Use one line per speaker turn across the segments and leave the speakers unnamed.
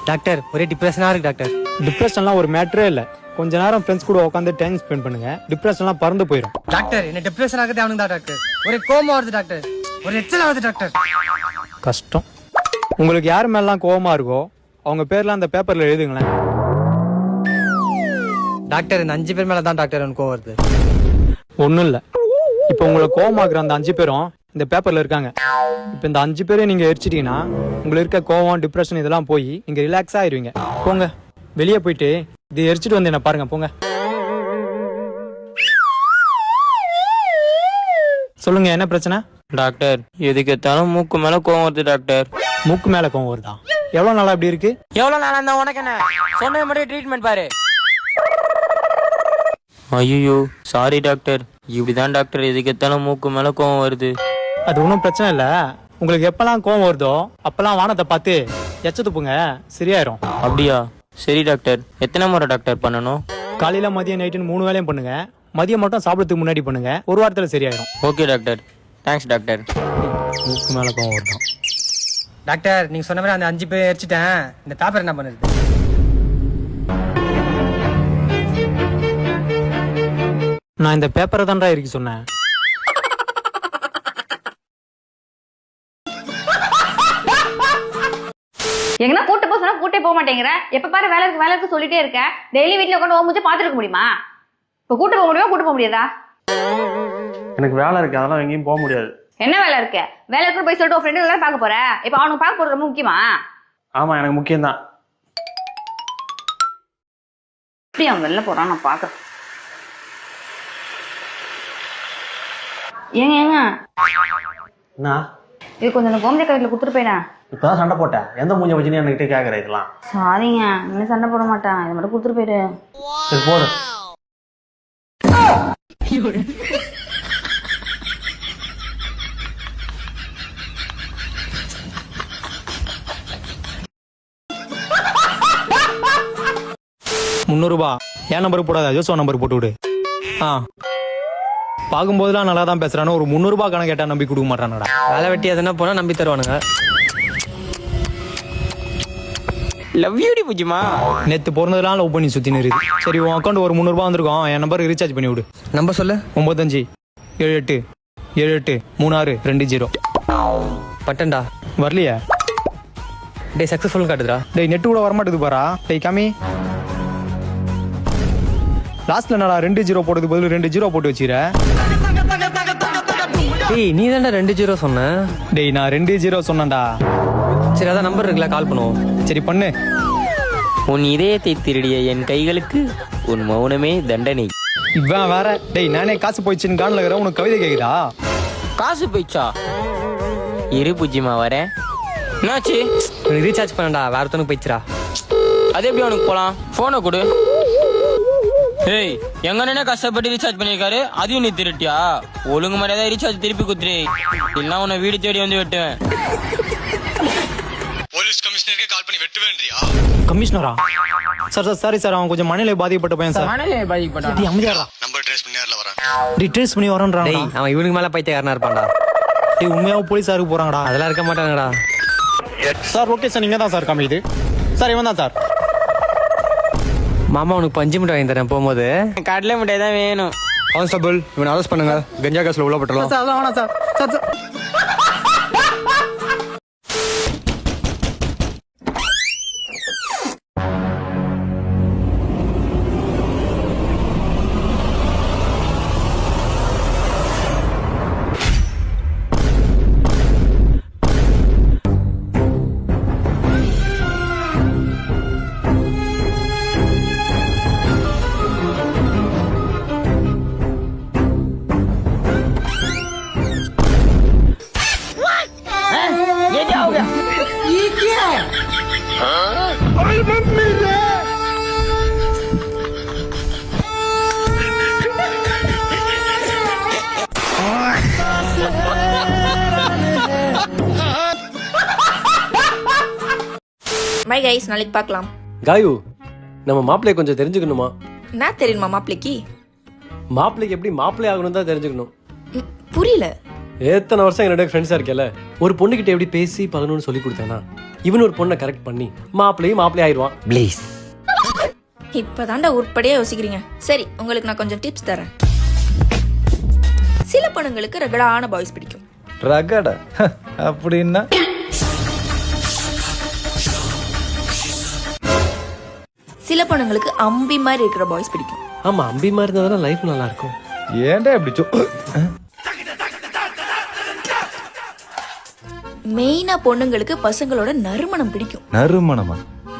Doctor ஒரே டிப்ரெஷனா இருக்கு doctor.
டிப்ரெஷன்லாம் ஒரு மேட்டரே இல்லை. கொஞ்ச நேரம் ஃப்ரெண்ட்ஸ் கூட உட்காந்து டைம் ஸ்பெண்ட் பண்ணுங்க, டிப்ரெஷன்லாம் பறந்து போயிடும்.
டாக்டர் என்ன டிப்ரெஷன் ஆகுது அவனுக்கு தான் டாக்டர். ஒரே கோவமா வருது டாக்டர், ஒரு எச்சல் ஆகுது டாக்டர்.
கஷ்டம். உங்களுக்கு யார் மேலாம் கோவமா இருக்கோ அவங்க பேர்லாம் அந்த பேப்பர்ல எழுதுங்களேன்.
டாக்டர் இந்த 5 பேர் மேல தான் டாக்டர் எனக்கு கோவம் வருது.
ஒன்றும் இல்லை, இப்போ உங்களை கோவமாக்குற அந்த 5 பேரும் இந்த பேப்பர்ல இருக்காங்க. இப்போ இந்த 5 பேரையும் நீங்க எரிச்சிட்டீங்கன்னா உங்களுக்கு இருக்க கோவம் டிப்ரெஷன் இதெல்லாம் போய் நீங்க ரிலாக்ஸா ஆயிருவீங்க. போங்க வெளியே போயிட்டு இது எரிச்சிட்டு வந்து என்ன பாருங்க. போங்க. சொல்லுங்க என்ன பிரச்சனை?
டாக்டர் எதுக்கு எத்தாலும் மூக்கு மேல கோவம் வருது டாக்டர்.
மூக்கு மேல கோவம் வருதா? எவ்வளவு நாளா இப்படி இருக்கு?
எவ்வளவு நாளா இருந்தா உனக்கு என்ன? சொன்ன மாதிரி ட்ரீட்மெண்ட் பாரு. ஐயோ சாரி டாக்டர், இப்படிதான் டாக்டர் எதுக்கு எத்தாலும் மூக்கு மேல கோவம் வருது.
அது ஒன்றும் பிரச்சனை இல்லை. உங்களுக்கு எப்பெல்லாம் கோவம் வருதோ அப்பெல்லாம் வானத்தை பார்த்து எச்ச துப்புங்க, சரியாயிரும்.
அப்படியா? சரி டாக்டர். எத்தனை முறை டாக்டர் பண்ணணும்?
காலையில மதியம் நைட்டுன்னு 3 வேளையும் பண்ணுங்க. மதியம் மட்டும் சாப்பிடறதுக்கு முன்னாடி பண்ணுங்க, ஒரு வாரத்துல சரியாயிரும்.
Okay doctor, thanks doctor.
மூக்கு மேல கோவம் வருதான்?
டாக்டர் நீங்க சொன்ன மாதிரி அந்த 5 பேர் எரிச்சிட்டேன். இந்த பேப்பர் என்ன பண்ணுது?
நான் இந்த பேப்பரை தான்டா இருக்கு சொன்னேன்.
எங்கன்னா கூட்டு போக சொன்னா கூட்டே போக மாட்டேங்கிற. எப்ப பாரு வேலை இருக்கு சொல்லிட்டே இருக்க. டெய்லி வீட்டுல உட்காந்து ஓ முடிச்சு பாத்துருக்க முடியுமா? இப்ப கூட்டு போக முடியுமா? கூட்டு போக முடியாதா?
எனக்கு வேலை இருக்கு, அதெல்லாம் எங்கேயும் போக முடியாது.
என்ன வேலை இருக்கு? வேலை இருக்கு போய் சொல்லிட்டு உன் ஃப்ரெண்டு எல்லாரும் பார்க்க போற. இப்ப அவனுக்கு பார்க்க போறது ரொம்ப முக்கியமா?
ஆமா எனக்கு முக்கியம்தான்.
எப்படி அவன் வெளில போறான் நான் பாக்குறேன். ஏங்க
என்ன
இது கொஞ்சம் அந்த கோமதி கடையில கொடுத்துட்டு போயிடா.
இப்பதான் சண்டை போட்டேன், எந்த மூஞ்ச வச்சுன்னு என்கிட்ட கேக்குற இதெல்லாம்?
சாரிங்க, இன்னும் சண்டை போட மாட்டேன், இது மட்டும் கொடுத்துட்டு போயிடு.
சரி போடு.
₹300 என் நம்பருக்கு போடாத, ஜோசோ நம்பருக்கு போட்டு விடு. பார்க்கும்போதுலாம் நல்லா தான் பேசுறானு, ஒரு ₹300 கணக்கு கேட்டா நம்பி கொடுக்க மாட்டானடா.
வேலை வெட்டி எதனா போனா நம்பி தருவானுங்க.
லவ் யூ டி புஜிமா.
நேத்து பிறந்ததுலாம் லவ் பண்ணி சுத்தி நிறுது. சரி உன் அக்கௌண்ட் ஒரு ₹300 வந்திருக்கோம், என் நம்பருக்கு ரீசார்ஜ் பண்ணி விடு.
நம்பர் சொல்லு.
9578783620.
பட்டன்டா
வரலையா?
டே சக்சஸ்ஃபுல் காட்டுதுடா.
டேய் நெட்டு கூட வரமாட்டேது பாரா. டேய் காமி, லாஸ்ட்ல என்னடா 2 0 போட்டது பதில் 2 0 போட்டு வச்சிர.
டேய் நீ தான்டா 2 0 சொன்ன.
டேய் நான் 2 0 சொன்னேன்டா.
சரி அதான் நம்பர் இருக்குல்ல, கால் பண்ணுவோம்.
சரி பண்ணு.
உன் இதயத்தை திருடிய என் கைகளுக்கு உன் மௌனமே தண்டனை.
இவன் வேற. டேய் நானே காசு போயிடுச்சுன்னு காணல இருக்கிற, உனக்கு கவிதை கேக்குதா?
காசு போயிச்சா? இரு புஜிமா வரேன். என்னாச்சு?
உனக்கு ரீசார்ஜ் பண்ணடா, வேற ஒருத்தனுக்கு போயிடுச்சுடா.
அது எப்படி அவனுக்கு போலாம்? போனை கொடு. ஏய் எங்க அண்ணனே கஷ்டப்பட்டு ரீசார்ஜ் பண்ணிருக்காரு, அதையும் நீ திருட்டியா? ஒழுங்கு மாதிரியாதான் ரீசார்ஜ் திருப்பி குத்துரு, இல்லைன்னா உன்னை வீடு தேடி வந்து வெட்டுவேன்.
போலீஸ் கமிஷனருக்கு கால் பண்ணி வெட்டுவேன்றியா?
கமிஷனரா? சார் சார் சாரி சார், அவன் கொஞ்சம் மனநிலை பாதிக்கப்பட்ட பையன் சார்.
மனநிலை பாதிக்கப்பட்டான்.
டேய் அமைதியாடா.
நம்பர் ட்ரேஸ் பண்ணி நேர்ல வரேன்.
டேய் ட்ரேஸ் பண்ணி வரேன்றான்.
டேய் அவன் இவனுக்கு மேல பைத்தியக்காரனா இருப்பான்டா.
டேய் உண்மையாவும் போலீஸாருக்கு போறாங்கடா.
அதெல்லாம் இருக்க மாட்டாங்கடா.
சார் ஓகே சார், நீங்க தான் சார் காமிக்குது. சார் இவன் தான் சார்.
மாமா உனக்கு பஞ்சு மிட்டாய் வாங்கி தரேன் போகும்போது.
கடலை மிட்டாய் தான் வேணும்.
கான்ஸ்டபிள் இவனை அரெஸ்ட் பண்ணுங்க, கஞ்சா கேஸ்ல உள்ள போட்டலாம்.
சார் அதெல்லாம் வேணாம் sir. Sir sir
bye guys, நாளைக்கு பார்க்கலாம்.
காயு, நம்ம மாப்பிள்ளைய கொஞ்சம் தெரிஞ்சுக்கணுமா?
என்ன தெரியுமா மாப்பிள்ளைக்கு?
மாப்பிள்ளைக்கு எப்படி மாப்பிள்ளை ஆகணும் தான் தெரிஞ்சுக்கணும்.
புரியல.
எத்தனை வருஷம் என்னோட ஃப்ரெண்ட்ஸா இருக்கல, ஒரு பொண்ணுகிட்ட எப்படி பேசி பழகணும்னு சொல்லி கொடுத்தேன்னா இவன் ஒரு பொண்ணை கரெக்ட் பண்ணி மாப்பிள்ளையும் ஆயிடுவான்.
ப்ளீஸ்.
இப்பதான்டா உருப்படியா யோசிக்கிறீங்க. சரி, உங்களுக்கு நான் கொஞ்சம் டிப்ஸ் தரேன். சில பொண்ணுங்களுக்கு ரகடான பாய்ஸ் பிடிக்கும்.
ரகட அப்படின்னா
சில பொண்ணுங்களுக்கு அம்பி மாதிரி இருக்கிற பாய்ஸ் பிடிக்கும்.
ஆமா, அம்பி மாதிரி இருந்தாதான் லைஃப் நல்லா இருக்கும்.
ஏன்டா இப்படி
மெயினா பொண்ணுங்களுக்கு பசங்களோட நறுமணம் பிடிக்கும்.
நறுமணமா?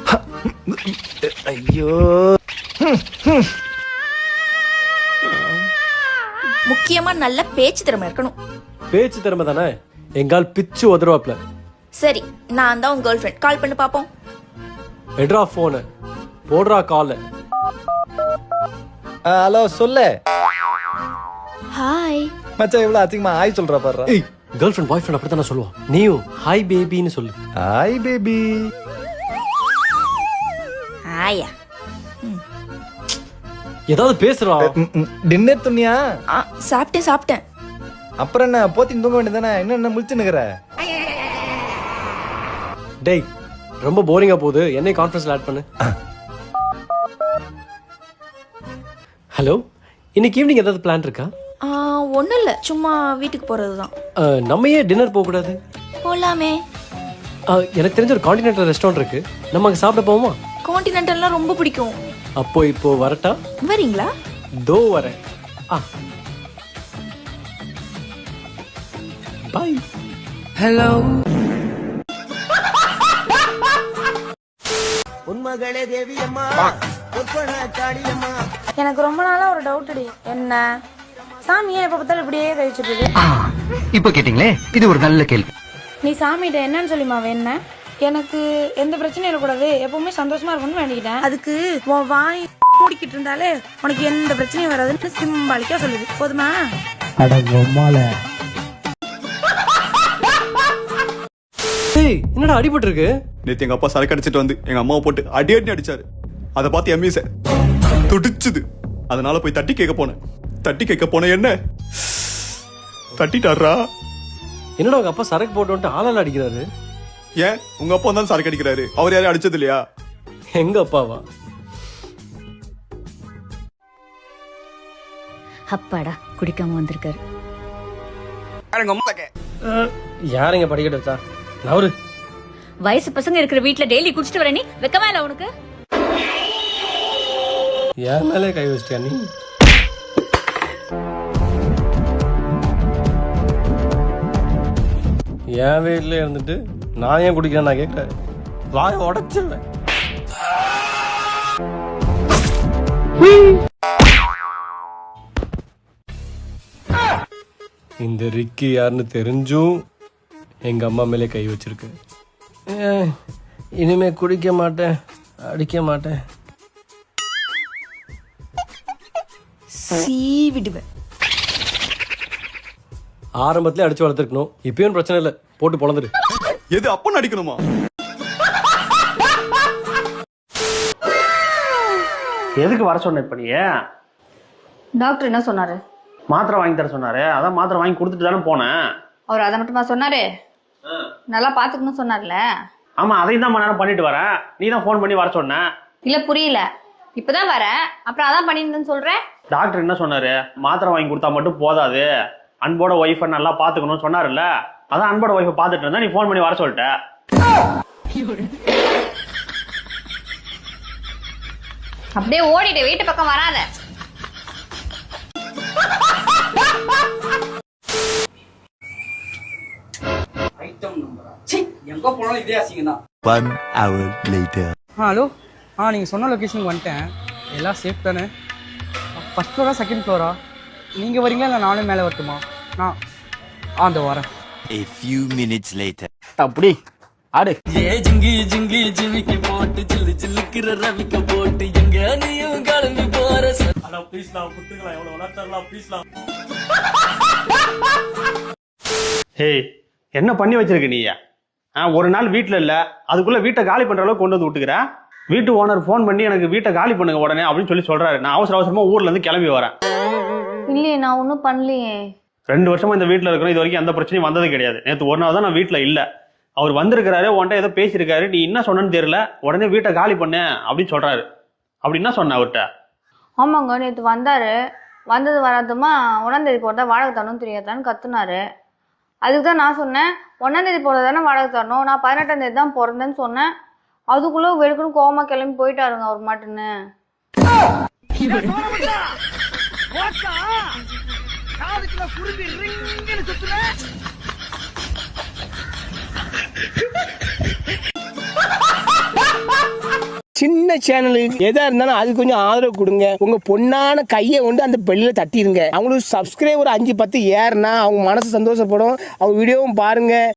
ஐயோ.
முக்கியமா நல்ல பேச்சு திறமை இருக்கணும்.
பேச்சு திறமை தானே எங்கால் பிச்சு உதருவாப்ல.
சரி, நான் தான் உங்க கேர்ள் ஃப்ரெண்ட். கால் பண்ணி பாப்போம்.
எடுறா போனு, போடுறா கால்.
ஹலோ சொல்லு.
ஹாய்.
மச்சான் இவ்வளவு அதிகமா ஹாய் சொல்றா பாரு.
ஏய், கேர்ள் ஃப்ரெண்ட் பாய் ஃப்ரெண்ட் அப்படித்தானே சொல்லுவான். நீயும் ஹாய் பேபின்னு சொல்லு.
Hi baby.
ஹாயா.
ஏதாவது பேசுறா.
டின்னர் துணியா?
சாப்பிட்டேன்.
அப்புறம் என்ன போத்தின்னு தூங்க வேண்டியதானே? என்ன முழிச்சு நிக்கிற?
டேய், ரொம்ப போரிங்கா போகுது, என்னை கான்ஃபரன்ஸ்ல ஆட் பண்ணு. ஹலோ, இன்னைக்கு ஈவினிங் ஏதாவது பிளான் இருக்கா?
ஒன்றும் இல்லை, சும்மா வீட்டுக்கு போகிறது தான்.
நம்ம ஏன் டின்னர் போகக்கூடாது?
போகலாமே.
எனக்கு தெரிஞ்ச ஒரு கான்டினென்டல் ரெஸ்டாரண்ட் இருக்கு, நம்ம அங்கே சாப்பிட போவோமா?
கான்டினென்டல்லாம் ரொம்ப பிடிக்கும்.
அப்போ இப்போ வரட்டா?
வரீங்களா?
தோ வரேன். பாய்.
ஹலோ.
உன்மகளே தேவி அம்மா, காளியம்மா.
எனக்கு ரொம்ப நாளா ஒரு டவுட். என்ன சாமியா எப்ப பார்த்தாலும் இப்படியே கழிச்சிட்டு இருக்கு?
இப்ப கேட்டீங்களே, இது ஒரு நல்ல கேள்வி.
நீ சாமிகிட்ட என்னன்னு சொல்லிமா வேண? எனக்கு எந்த பிரச்சனையும் இருக்கக்கூடாது, எப்பவுமே சந்தோஷமா இருக்கணும்னு வேண்டிக்கிட்டேன். அதுக்கு உன் வாய் மூடிக்கிட்டு இருந்தாலே உனக்கு எந்த பிரச்சனையும் வராதுன்னு சிம்பாலிக்கா சொல்லுது. போதுமா?
என்னடா அடிபட்டு இருக்கு?
நேத்து எங்க அப்பா சரக்கு அடிச்சிட்டு வந்து எங்க அம்மாவை போட்டு அடி அடிச்சாரு. அதை பார்த்து எம்மி சார் துடிச்சுது. அதனால போய் தட்டி கேட்க போனேன். என்ன தட்டிட்டாரா?
என்னடா உங்க அப்பா சரக்கு போட்டு வந்துட்டு ஆளால அடிக்கிறாரு?
ஏன் உங்க அப்பா தான் சரக்கு அடிக்கிறாரு, அவர் யாரையும் அடிச்சது இல்லையா?
எங்க அப்பாவா?
அப்பாடா, குடிக்காம வந்திருக்காரு.
யாருங்க படிக்கட்டு வச்சா? நவரு.
வயசு பசங்க இருக்கிற வீட்டுல டெய்லி குடிச்சிட்டு வர நீ வெக்கமா இல்ல உனக்கு?
யார் மேலே கை வச்சிட்டியா நீ? என் வீட்டுல இருந்துட்டு நான் ஏன் குடிக்கிறேன் நான் கேட்கிறேன். வாய உடைச்சிருவேன். இந்த ரிக்கி யாருன்னு தெரிஞ்சும் எங்க அம்மா மேலே கை வச்சிருக்கு. இனிமே குடிக்க மாட்டேன், அடிக்க மாட்டேன்.
சீவிடுவேன்.
ஆரம்பத்திலே அடிச்சு வளர்த்துருக்கணும். இப்பயும் பிரச்சனை இல்லை, போட்டு பொழந்துரு.
எது அப்பன்னு அடிக்கணுமா?
எதுக்கு வர சொன்ன இப்ப நீ?
டாக்டர் என்ன சொன்னாரு?
மாத்திரை வாங்கி தர சொன்னாரு. அதான் மாத்திரை வாங்கி கொடுத்துட்டு தானே போனேன்.
அவர் அதை மட்டுமா சொன்னாரு? நல்லா பாத்துக்கணும் சொன்னார்ல.
ஆமா, அதையும் தான் நேரம் பண்ணிட்டு வரேன். நீ தான் போன் பண்ணி வர சொன்ன.
இல்ல புரியல. இப்பதான் வரேன், அப்புறம் அதான் பண்ணிருந்தேன்னு சொல்றேன்.
டாக்டர் என்ன சொன்னாரு? மாத்திரை வாங்கி கொடுத்தா மட்டும் போதாது, அன்போட ஒய்ஃபை நல்லா பாத்துக்கணும்னு சொன்னாருல்ல. அதான் அன்போட ஒய்ஃபை பாத்துட்டு இருந்தா நீ போன் பண்ணி வர சொல்லிட்ட.
அப்படியே ஓடிட்டு வீட்டு பக்கம் வராத.
எங்க போனாலும் இதே அசிங்கதான்.
1 hour later.
ஹலோ. நீங்க சொன்ன லொகேஷனுக்கு வந்துட்டேன். எல்லாம் சேஃப் தானே? ஃபர்ஸ்ட் ஃப்ளோரா செகண்ட் ஃப்ளோரா? நீங்க வரீங்களா இல்லை நானும் மேலே வரட்டுமா? நான் அந்த வரேன்.
A few minutes later.
அப்படி ஆடு.
ஜிங்கி ஜிங்கி ஜிமிக்கி போட்டு சில்லு சில்லுக்கிற ரவிக்க போட்டு எங்க நீயும் கிளம்பி போற.
ஹே, என்ன பண்ணி வச்சிருக்க நீ? ஒரு நாள் வீட்டுல இல்ல, அதுக்குள்ள வீட்டை காலி பண்ற அளவுக்கு கொண்டு வந்து விட்டுக்கிற. வீட்டு ஓனர் போன் பண்ணி எனக்கு வீட்டை காலி பண்ணுங்க உடனே அப்படின்னு சொல்றாரு. நான் அவசரமா ஊர்ல இருந்து கிளம்பி வரேன்.
இல்லையே, நான் ஒன்னும் பண்ணலையே.
2 வருஷமா இந்த வீட்டுல இருக்கிறோம், இது வரைக்கும் எந்த பிரச்சனையும் வந்தது கிடையாது. நேற்று ஒரு நாள் தான் நான் வீட்டுல இல்ல. அவர் வந்திருக்கிறாரு, உன்கிட்ட ஏதோ பேசியிருக்காரு, நீ என்ன சொன்னன்னு தெரியல, உடனே வீட்டை காலி பண்ணு அப்படின்னு சொல்றாரு. அப்படி என்ன சொன்ன அவர்கிட்ட?
ஆமாங்க, நேற்று வந்தாரு. வந்தது வராதுமா 1ஆம் தேதி போகிறதா வாடகை தரணும் தெரியாதான்னு கத்துனாரு. அதுக்கு தான் நான் சொன்னேன், 1ஆம் தேதி போகிறது தானே வாடகை தரணும், நான் 18ஆம் தேதி தான் பிறந்தேன்னு சொன்னேன். அதுக்குள்ளே வெடுக்குன்னு கோவமா கிளம்பி போயிட்டாருங்க அவர் மாட்டுன்னு.
சின்ன சேனலுக்கு எதா இருந்தாலும் அது கொஞ்சம் ஆதரவு கொடுங்க. உங்க பொண்ணான கையை கொண்டு அந்த பெல்லில் தட்டிடுங்க. அவங்களுக்கு சப்ஸ்கிரைபர் 5-10 ஏறுனா அவங்க மனசு சந்தோஷப்படும். அவங்க வீடியோவும் பாருங்க.